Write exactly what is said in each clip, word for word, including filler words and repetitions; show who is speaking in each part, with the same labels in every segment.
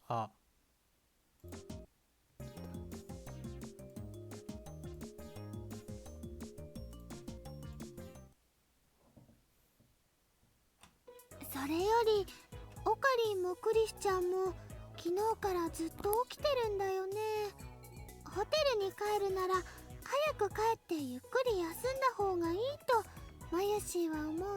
Speaker 1: 아,
Speaker 2: それよりオカリンもクリスちゃんも昨日からずっと起きてるんだよね。ホテルに帰るなら早く帰ってゆっくり休んだ方がいいとマユシーは思うな。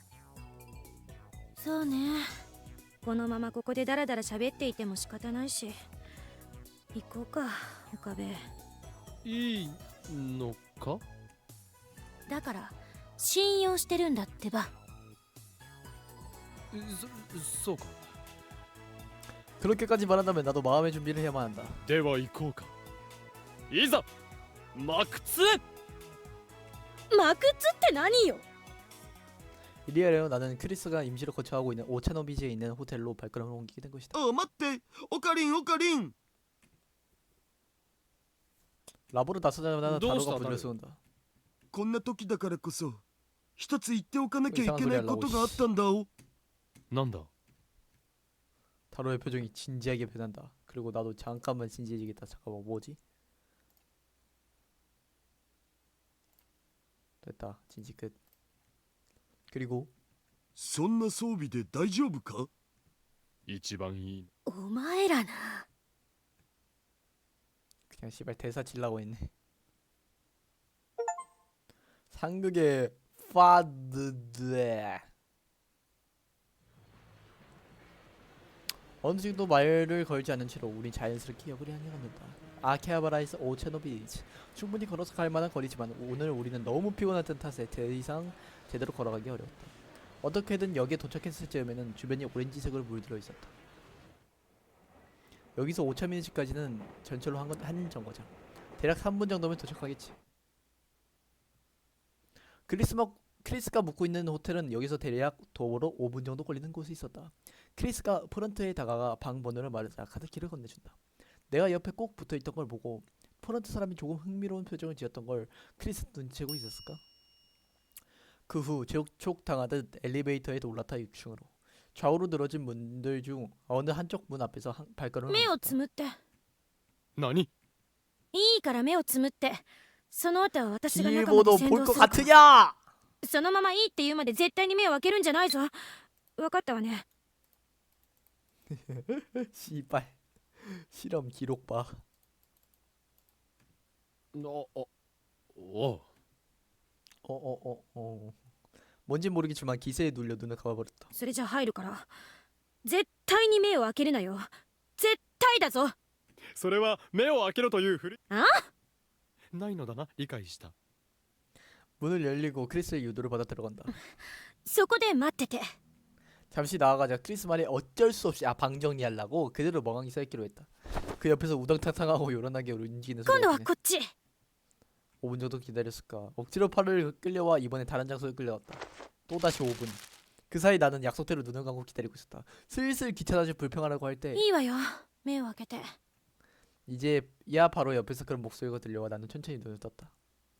Speaker 3: そうね。このままここでダラダラ喋っていても仕方ないし、行こうか、岡部。
Speaker 4: いいのか？
Speaker 3: だから信用してるんだってば。
Speaker 4: そそうか。
Speaker 1: 그렇게까지 말한다면 나도 마음의 준비를 해야만 한다.
Speaker 4: では行こうか。いざマクツ。
Speaker 3: マクツって何よ。
Speaker 1: 이리하여 나는 크리스가 임시로 거처하고 있는 오차노비지에 있는 호텔로 발걸음을 옮기게 된 것이다.
Speaker 5: あ、待って、オカリンオカリン。
Speaker 1: 라보를 나서자마자
Speaker 4: どうした
Speaker 1: 다로가 불려 쏘는다.
Speaker 5: こんな時だからこそ一つ言っておかなきゃいけないことがあったんだお。
Speaker 4: なんだ。
Speaker 1: 다로의 표정이 진지하게 변한다. 그리고 나도 잠깐만 진지해지겠다. 잠깐만 뭐지? 됐다. 진지 끝. 그리고
Speaker 5: そんな装備で大丈夫か？
Speaker 4: 一番いい。
Speaker 3: お前らな。
Speaker 1: 그냥 씨발 대사 질라고 했네. 상극의 파드드. 어느 정도 말을 걸지 않은 채로 우린 자연스럽게 역을 향해 갑니다. 아케하바라에서 오차노비치. 충분히 걸어서 갈 만한 거리지만 오늘 우리는 너무 피곤했던 탓에 더 이상 제대로 걸어가기 어려웠다. 어떻게든 역에 도착했을 즈음에는 주변이 오렌지색으로 물들어 있었다. 여기서 오차미니치까지는 전철로 한, 한 정거장. 대략 삼 분 정도면 도착하겠지. 크리스마, 크리스가 묵고 있는 호텔은 여기서 대략 도보로 오 분 정도 걸리는 곳에 있었다. 크리스가 프런트에 다가가 방 번호를 말하자 카드키를 건네준다. 내가 옆에 꼭 붙어있던 걸 보고 프런트 사람이 조금 흥미로운 표정을 지었던 걸 크리스 눈치채고 있었을까? 그 후 재촉당하듯 엘리베이터에 올라타 육 층으로. 좌우로 늘어진 문들 중 어느 한쪽 문 앞에서 한, 발걸음을
Speaker 3: 目を
Speaker 1: 멈췄다.
Speaker 3: つむって。
Speaker 4: 何？
Speaker 3: いいから目をつむって。その後は私が中まで
Speaker 1: 길보도
Speaker 3: 先
Speaker 1: 볼
Speaker 3: 導
Speaker 1: 것
Speaker 3: するから。
Speaker 1: 같으냐!
Speaker 3: そのままいいって言うまで絶対に目を開けるんじゃないぞ。わかったわね。
Speaker 1: 씨발 실험 기록 봐.
Speaker 4: あ、あ、おう。
Speaker 1: 어어어 어. 뭔진 모르겠지만 기세에 눌려 눈을 감아버렸다.
Speaker 3: それじゃ入るから。絶対に目を開けるなよ。絶対だぞ。
Speaker 4: それは目を開けろというふり。
Speaker 3: あ？
Speaker 4: ないのだな。理解した。
Speaker 1: 문을 열리고 크리스의 유도를 받아 들어간다.
Speaker 3: そこで待ってて。
Speaker 1: 잠시 나아가자 크리스 말에 어쩔 수 없이 아 방 정리하려고 그대로 멍하니 서있기로 했다. 그 옆에서 우당탕탕하고 요란하게 움직이는
Speaker 3: 今度は
Speaker 1: 소리가
Speaker 3: こっち。
Speaker 1: 오 분 정도 기다렸을까. 억지로 팔을 끌려와 이번에 다른 장소에 끌려갔다. 또다시 오 분. 그 사이 나는 약속대로 눈을 감고 기다리고 있었다. 슬슬 귀찮아져 불평하라고 할 때
Speaker 3: いいわよ。目を開けて。
Speaker 1: 이제 야 바로 옆에서 그런 목소리가 들려와 나는 천천히 눈을 떴다.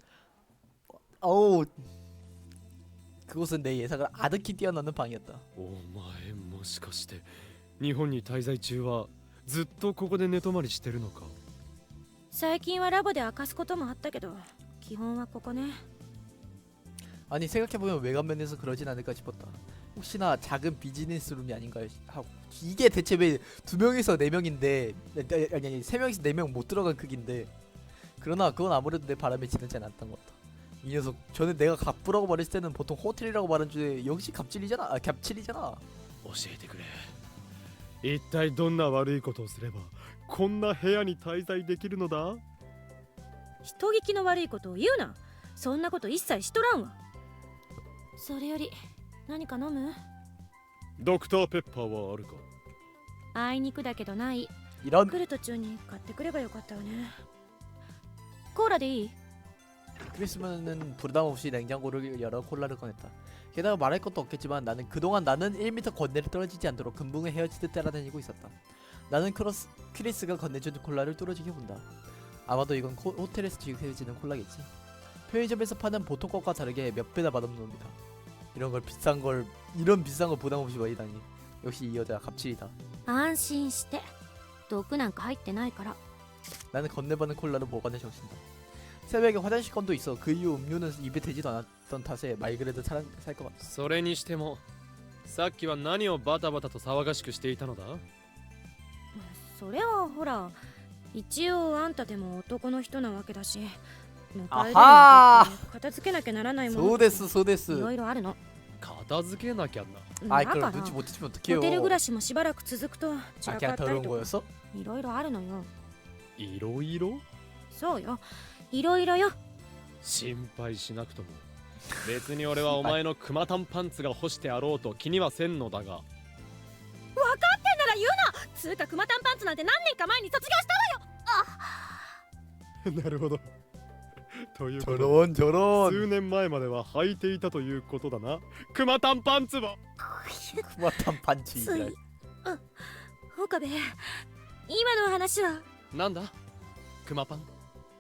Speaker 1: 어우 그곳은 내 예상을 아득히 뛰어넘는 방이었다.
Speaker 4: お前もしかして日本に滞在中はずっとここで寝泊まりしてるのか？
Speaker 3: 最近はラボで明かすこともあったけど、基本はここね。
Speaker 1: 아니 생각해보면 외관면에서 그러진 않을까 싶었다. 혹시나 작은 비즈니스룸이 아닌가 하고. 이게 대체 왜 두 명에서 네 명인데 아니 아니 세 명에서 네 명 못 들어간 크기인데. 그러나 그건 아무래도 내 바람에 지나지 않았던 것 같다. 이 녀석 전에 내가 갑부라고 말했을 때는 보통 호텔이라고 말한 주에 역시 갑질이잖아. 아, 갑질이잖아.
Speaker 4: 教えてくれ。一体どんな悪いことをすればこんな部屋に滞在できるのだ？
Speaker 3: 人聞きの悪いことを言うな。そんなこと一切しとらんわ。それより何か飲む？
Speaker 4: ドクターペッパーはあるか？
Speaker 3: あいにくだけどない。
Speaker 1: 이런
Speaker 3: 来る途中に買ってくればよかったわね。コーラでいい？
Speaker 1: 크리스마스는 부담 없이 냉장고를 열어 콜라를 꺼냈다. 게다가 말할 것도 없겠지만 나는 그동안 나는 일 미터 건네를 떨어지지 않도록 금붕에 헤어지듯 따라다니고 있었다. 나는 크로스, 크리스가 건네준 콜라를 뚫어지게 본다. 아마도 이건 코, 호텔에서 지급해지는 콜라겠지. 편의점에서 파는 보통 것과 다르게 몇 배나 맛없는 놈이다. 이런 걸 비싼 걸 이런 비싼 걸 부담 없이 마시다니. 역시 이 여자 갑질이다.
Speaker 3: 安心して。 毒なんか入ってないから。
Speaker 1: 나는 건네받은 콜라를 보관해 적신다. 새벽에 화장실 건도 있어. 그 이후 음료는 입에 대지도 않았던 탓에 말 그대로 살 것 같다.
Speaker 4: それにしてもさっきは何をバタバタと騒がしくしていたのだ？
Speaker 3: それはほら、一応あんたでも男の人なわけだし、迎える
Speaker 1: あはー
Speaker 3: にあたって片付けなきゃならないもの
Speaker 1: 소데스
Speaker 3: い
Speaker 1: 소데스.
Speaker 3: ろいろあるの。
Speaker 4: 片付けなきゃな。
Speaker 1: 아이
Speaker 3: だか
Speaker 1: 그럼
Speaker 3: ら
Speaker 1: 눈치 못 채면 어떡해요.
Speaker 3: ホテル暮らしもしばらく続くと散
Speaker 1: 아
Speaker 3: らか
Speaker 1: 그냥
Speaker 3: ったり
Speaker 1: 더러운
Speaker 3: とか
Speaker 1: 거였어?
Speaker 3: いろいろあるのよ。
Speaker 4: いろいろ？
Speaker 3: そうよ、いろいろよ。
Speaker 4: 心配しなくとも別に俺はお前のクマタンパンツが干してあろうと気にはせんのだが。
Speaker 3: 分かってんなら言うな。つうかクマタンパンツなんて何年か前に卒業したわよ。
Speaker 4: なるほど。ということで
Speaker 1: 저런 저런.
Speaker 4: 数年前までは履いていたということだな。クマタンパンツは。
Speaker 1: 쿠마탄 반치.
Speaker 3: つい、あ、岡部、今の話は。
Speaker 4: なんだクマパン。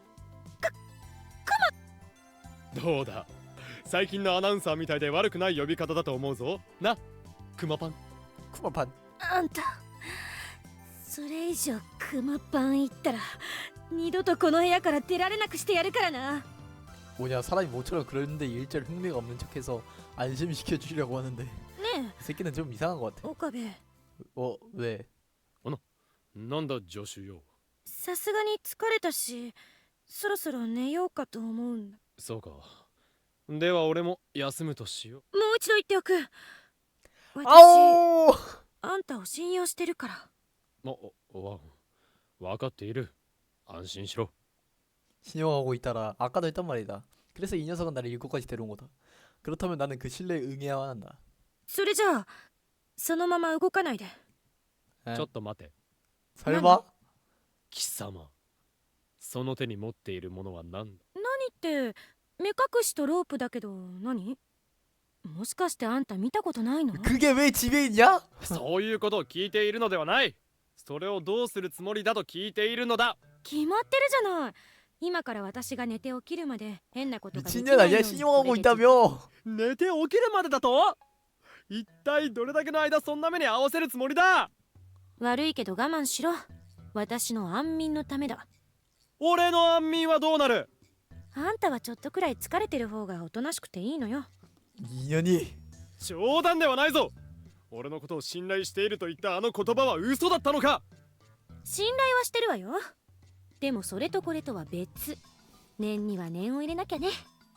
Speaker 4: どうだ最近のアナウンサーみたいで悪くない呼び方だと思うぞな。クマパン。
Speaker 1: 쿠마판.
Speaker 3: あんた、それ以上クマパン言ったら二度とこの部屋から出られなくしてやるからな。
Speaker 1: 뭐냐 사람이 모처럼 그러는데 일절 흥미가 없는 척해서 안심시켜 주려고 하는데
Speaker 3: ね
Speaker 1: 이 새끼는 좀 이상한 것
Speaker 3: え、
Speaker 1: 같아.
Speaker 3: 岡部、
Speaker 1: 어 왜?
Speaker 4: なんだ助手よ。
Speaker 3: さすがに疲れたし、そろそろ寝ようかと思うんだ。
Speaker 4: そうか。では俺も休むとしよう。
Speaker 3: もう一度言っておく。私、
Speaker 1: 아오.
Speaker 3: あんたを信用してるから。
Speaker 4: お、わ、わかっている。安心しろ。
Speaker 1: 신용하고 있다라. 아까도 했단 말이다. 그래서 이 녀석은 나를 이곳까지 데려온 거다. 그렇다면 나는 그 신뢰에 응해야만 한다.
Speaker 3: それじゃあ、そのまま動かないで。
Speaker 1: 에?
Speaker 4: ちょっと待て。
Speaker 1: 설마?
Speaker 4: 貴様。その手に持っているものは何だ？
Speaker 3: 何って目隠しとロープだけど何？もしかしてあんた見たことないの？
Speaker 1: 그게 왜 집에 있냐?
Speaker 4: そういうことを聞いているのではない。それをどうするつもりだと聞いているのだ。
Speaker 3: 決まってるじゃない。今から私が寝て起きるまで変なことができない
Speaker 1: 미친년
Speaker 3: よう
Speaker 1: 아니야?
Speaker 3: に
Speaker 1: 신용하고
Speaker 3: これで
Speaker 1: 있다며.
Speaker 4: 寝て起きるまでだと？一体どれだけの間そんな目に合わせるつもりだ？
Speaker 3: 悪いけど我慢しろ。私の安眠のためだ。
Speaker 4: 俺の安眠はどうなる？
Speaker 3: あんたはちょっとくらい疲れてる方がおとなしくていいのよ。
Speaker 1: 이년이.
Speaker 4: 冗談ではないぞ。俺のことを信頼していると言ったあの言葉は嘘だったのか？
Speaker 3: 信頼はしてるわよ。でもそれとこれとは別。念には念を入れなきゃね。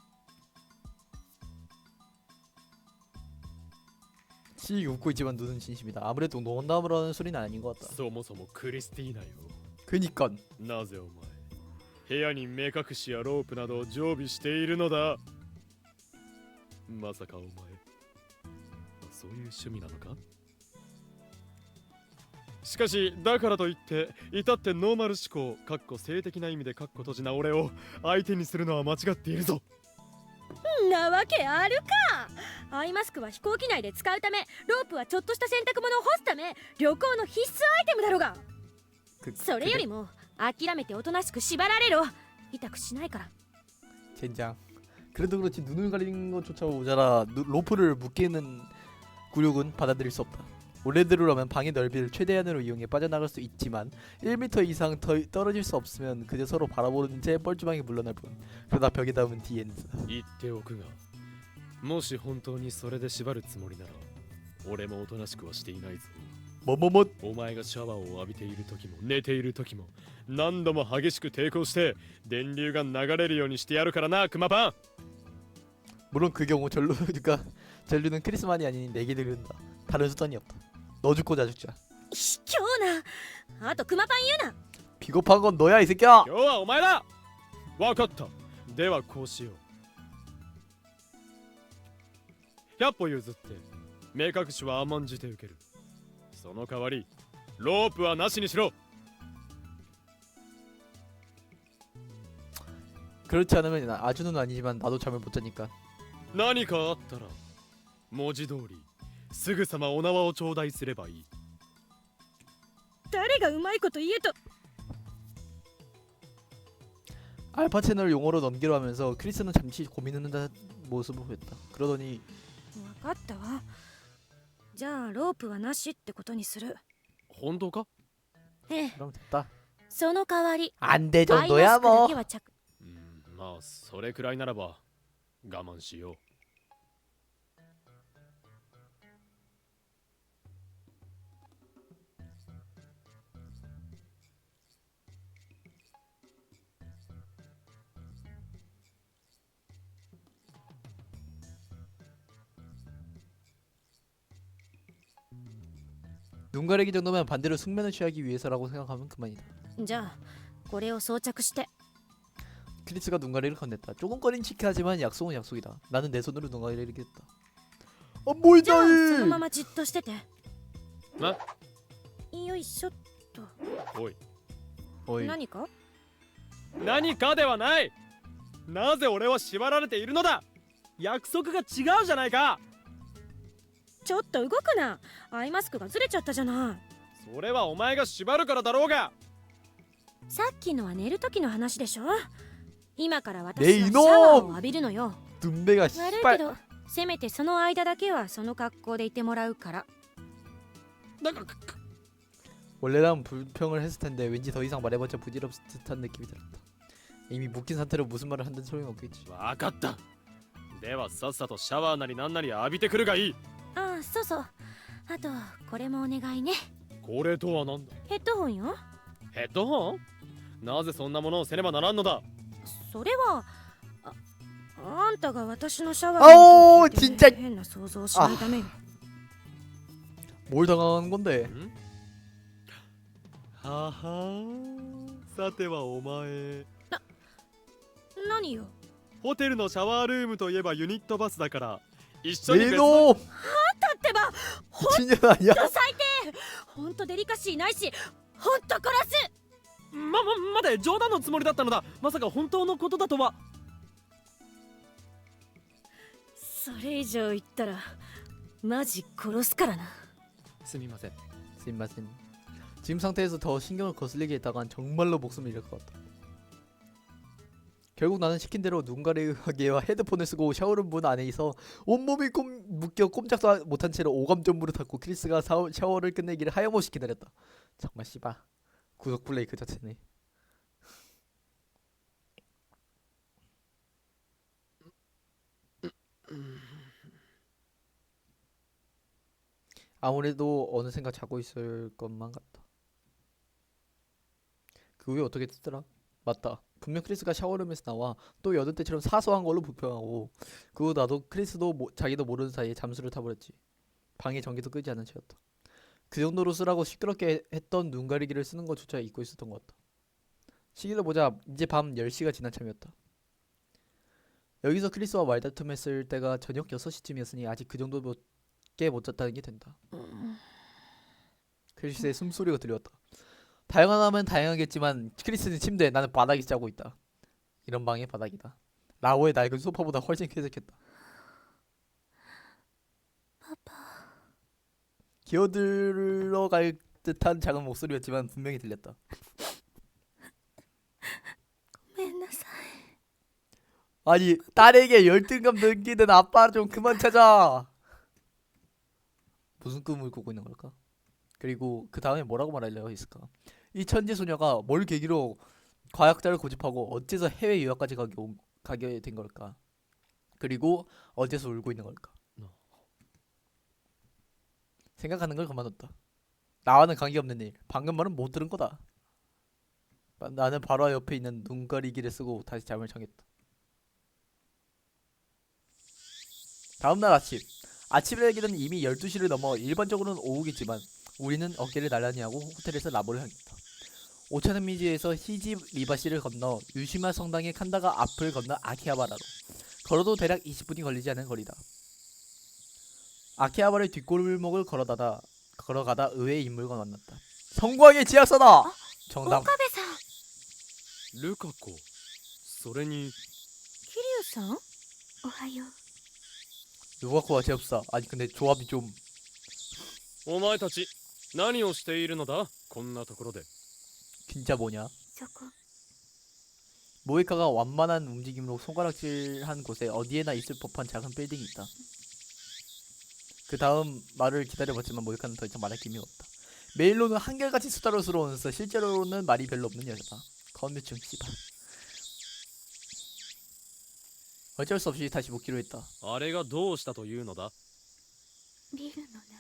Speaker 1: 씩 웃고 있지만 눈은 진심이다. 아무래도 농담으로는 소리는 아닌 것 같다.
Speaker 4: そもそもクリスティーナよ。
Speaker 1: 그니깐.
Speaker 4: なぜお前部屋に目隠しやロープなどを常備しているのだ？まさかお前そういう趣味なのか？しかしだからといって至ってノーマル思考かっこ性的な意味でかっこ閉じな俺を相手にするのは間違っているぞ。
Speaker 3: なわけあるか。アイマスクは飛行機内で使うため、ロープはちょっとした洗濯物を干すため、旅行の必須アイテムだろうが。
Speaker 1: 그,
Speaker 3: それよりも諦めておとなしく縛られろ。痛くしないから。
Speaker 1: 젠장. 그래도 그렇지 눈을 가리는 것조차 모자라 누, 로프를 묶이는 굴욕은 받아들일 수 없다. 원래대로라면 방의 넓이를 최대한으로 이용해 빠져나갈 수 있지만 일 미터 이상 더 떨어질 수 없으면 그저 서로 바라보는 채 뻘쭘하게 물러날 뿐. 그러다 벽에 닿으면 뒤에는
Speaker 4: 言っておくがもし本当にそれで縛るつもりなら俺もおとなしくはしていないぞ。
Speaker 1: 뭐뭐뭐.
Speaker 4: お前がシャワーを浴びている時も寝ている時も何度も激しく抵抗して電流が流れるようにしてやるからなクマパン。
Speaker 1: 물론 그 경우 전루 그러니까 전류는 크리스만이 아닌 내게 들린다. 다른 수단이 없다. 너 죽고 나 죽자.
Speaker 3: 卑怯な。あとクマパン言うな。
Speaker 1: 비겁한 건 너야 이 새끼야.
Speaker 4: 今日はお前だ。わかった。ではこうしよう。ひゃっ歩譲って目隠しは甘んじて受ける。その代わりロープはなしにしろ。
Speaker 1: 그렇지 않으면 나- 아주는 아니지만 나도 잠을 못 자니까.
Speaker 4: 何かあったら文字通りすぐさまお縄を頂戴すればいい。
Speaker 3: 誰がうまいこと言えと。
Speaker 1: 알파 채널 용어로 넘기려 하면서 크리스는 잠시 고민하는 듯 모습을 보였다. 그러더니
Speaker 3: 分かったわ。じゃあロープはなしってことにする。
Speaker 4: 本当か？
Speaker 3: ええ、
Speaker 1: 그럼 됐다.
Speaker 3: その代わり
Speaker 1: 안 돼
Speaker 3: アイマ
Speaker 1: 정도야
Speaker 3: スクだ
Speaker 1: 뭐.
Speaker 3: けは着
Speaker 4: うんまあそれくらいならば我慢しよう。
Speaker 1: 눈 가리기 정도면 반대로 숙면을 취하기 위해서라고 생각하면 그만이다.
Speaker 3: じゃあこれを装着して
Speaker 1: 크리스가 눈 가리를 건넸다. 조금 꺼림칙해 하지만 약속은 약속이다. 나는 내 손으로 눈 가리를 했다. 아
Speaker 3: じゃあ
Speaker 1: 뭐이다
Speaker 3: そのま
Speaker 1: 이.
Speaker 3: まじっとしてて
Speaker 4: な
Speaker 3: よいしょっと
Speaker 4: おい
Speaker 1: 어이.
Speaker 3: 何か
Speaker 4: 何かではない。なぜ俺は縛られているのだ。約束が違うじゃないか。
Speaker 3: ちょっと動くな。アイマスクがずれちゃったじゃない。
Speaker 4: それはお前が縛るからだろうが。
Speaker 3: さっきのは寝る時の話でしょ。今から私
Speaker 1: ねえ
Speaker 3: はシャワーを
Speaker 1: イノ
Speaker 3: 浴びるのよ。
Speaker 1: 눈배가
Speaker 3: 悪いけ
Speaker 1: 씨발.
Speaker 3: どせめてその間だけはその格好でいてもらうから。
Speaker 4: なんかくく
Speaker 1: 원래라면 불평을 했을 텐데 왠지 더 이상 말해봤자 부질없을 듯한 느낌이 들었다. 이미 묶인 상태로 무슨 말을 한든 소용이 없겠지.
Speaker 4: わかった。ではさっさとシャワーなりなんなり浴びてくるがいい。
Speaker 3: ああ、そうそう。あとこれもお願いね。
Speaker 4: これとはなんだ。
Speaker 3: ヘッドホンよ。
Speaker 4: ヘッドホン。なぜそんなものをせねばならんのだ。
Speaker 3: それはあ、あんたが私のシャワ
Speaker 1: あおー
Speaker 3: ーの時
Speaker 1: ちんちゃい
Speaker 3: 変な想像をしないためよ。
Speaker 1: 뭘 당하는 건데?
Speaker 4: んははさてはお前
Speaker 3: 何よ。
Speaker 4: ホテルのシャワールームといえばユニットバスだから一緒に別の
Speaker 1: 네노
Speaker 3: だってば
Speaker 1: 미친년 아니야?
Speaker 3: 最低。ほんとデリカシーないし、ほんと殺す。
Speaker 4: ま、ま、待て冗談のつもりだったのだ。まさか本当のことだとは。
Speaker 3: それ以上言ったらマジ殺すからな。
Speaker 4: すみません。
Speaker 1: 스마센. 지금 상태에서 더 신경을 거슬리게 했다간 정말로 목숨을 잃을 것 같다. 결국 나는 시킨 대로 눈 가리개와 헤드폰을 쓰고 샤워룸 문 안에 있어 온몸이 꼼, 묶여 꼼짝도 못한 채로 오감전부를 닫고 크리스가 샤워, 샤워를 끝내기를 하염없이 기다렸다. 정말 씨바 구속 플레이 그 자체네. 아무래도 어느샌가 자고 있을 것만 같다. 그 후에 어떻게 됐더라? 맞다. 분명 크리스가 샤워룸에서 나와 또 여느 때처럼 사소한 걸로 불평하고 그 후 나도 크리스도 모, 자기도 모르는 사이에 잠수를 타버렸지. 방에 전기도 끄지 않은 채였다. 그 정도로 쓰라고 시끄럽게 했던 눈 가리기를 쓰는 것조차 잊고 있었던 것 같다. 시계를 보자 이제 밤 열 시가 지난 참이었다. 여기서 크리스와 말다툼했을 때가 저녁 여섯 시쯤이었으니 아직 그 정도밖에 못 잤다는 게 된다. 크리스의 숨소리가 들려왔다. 다양하면 다양하겠지만 크리스는 침대에 나는 바닥에 자고 있다. 이런 방의 바닥이다. 라오의 낡은 소파보다 훨씬 쾌적했다. 기어들어갈 듯한 작은 목소리였지만 분명히 들렸다.
Speaker 3: ごめんなさい。
Speaker 1: 아니 딸에게 열등감 느끼는 아빠 좀 그만 찾아. 무슨 꿈을 꾸고 있는 걸까? 그리고 그 다음에 뭐라고 말하려고 했을까? 이 천재 소녀가 뭘 계기로 과학자를 고집하고 어째서 해외 유학까지 가게, 온- 가게 된 걸까? 그리고 어째서 울고 있는 걸까? 생각하는 걸 그만뒀다. 나와는 관계없는 일. 방금 말은 못 들은 거다. 나는 바로 옆에 있는 눈 가리기를 쓰고 다시 잠을 청했다. 다음날 아침. 아침 일기는 이미 열두 시를 넘어 일반적으로는 오후겠지만 우리는 어깨를 나란히 하고 호텔에서 라보를 향했다. 오차산미지에서 히지 리바시를 건너 유시마 성당의 칸다가 앞을 건너 아키하바라로 걸어도 대략 이십 분이 걸리지 않은 거리다. 아키하바를 뒷골목을 걸어가다 걸어가다 의외의 인물과 만났다. 성광의 지하사다. 정답.
Speaker 3: 岡部さん。
Speaker 4: ルカ子。それに
Speaker 3: 桐生さん。おはよう。
Speaker 1: 누가코와 제업사. 아니 근데 조합이 좀
Speaker 4: お前たち何をしているのだ。こんなところで。
Speaker 1: 진짜 뭐냐?
Speaker 3: そこ。
Speaker 1: 모이카가 완만한 움직임으로 손가락질한 곳에 어디에나 있을 법한 작은 빌딩이 있다. 그 다음 말을 기다려봤지만 모이카는 더 이상 말할 힘이 없다. 메일로는 한결같이 수다스러우면서 실제로는 말이 별로 없는 여자다. 건매충 씨발. 어쩔 수 없이 다시 묻기로 했다.
Speaker 4: あれがどうしたというのだ。
Speaker 2: ビルの名前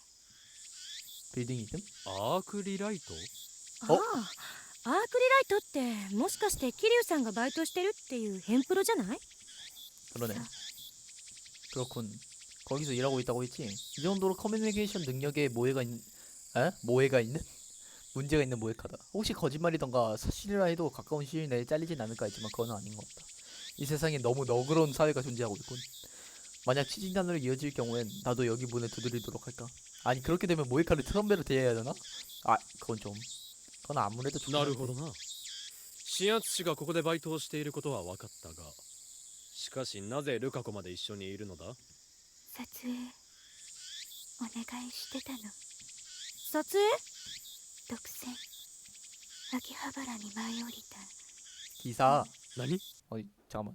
Speaker 1: 빌딩 이름?
Speaker 4: アークリライト。
Speaker 3: ああ、アークリライトってもしかして桐生さんがバイトしてるっていうヘンプロじゃない？
Speaker 1: 그러네. 그렇군. 거기서 일하고 있다고 했지. 이 정도로 커뮤니케이션 능력에 모해가 있는, 에? 모해가 있는? 문제가 있는 모해카다. 혹시 거짓말이던가 사실이라 해도 가까운 시일 내에 잘리진 않을까 했지만 그건 아닌 것 같다. 이 세상에 너무 너그러운 사회가 존재하고 있군. 만약 취진단으로 이어질 경우엔 나도 여기 문을 두드리도록 할까? 아니 그렇게 되면 모해카를 트럼베로 대해야 되나? 아 그건 좀 그건 아무래도 좀
Speaker 4: なるほどな。新圧師がここでバイトをしていることは分かったが、しかしなぜルカ子まで一緒にいるのだ。
Speaker 2: 撮影お願いしてたの。
Speaker 3: 撮影？
Speaker 2: 独占秋葉原に舞い降りた
Speaker 1: 기사.
Speaker 4: 何？
Speaker 1: 어이 잠깐만.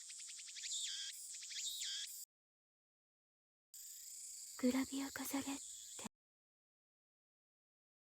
Speaker 2: グラビア飾れって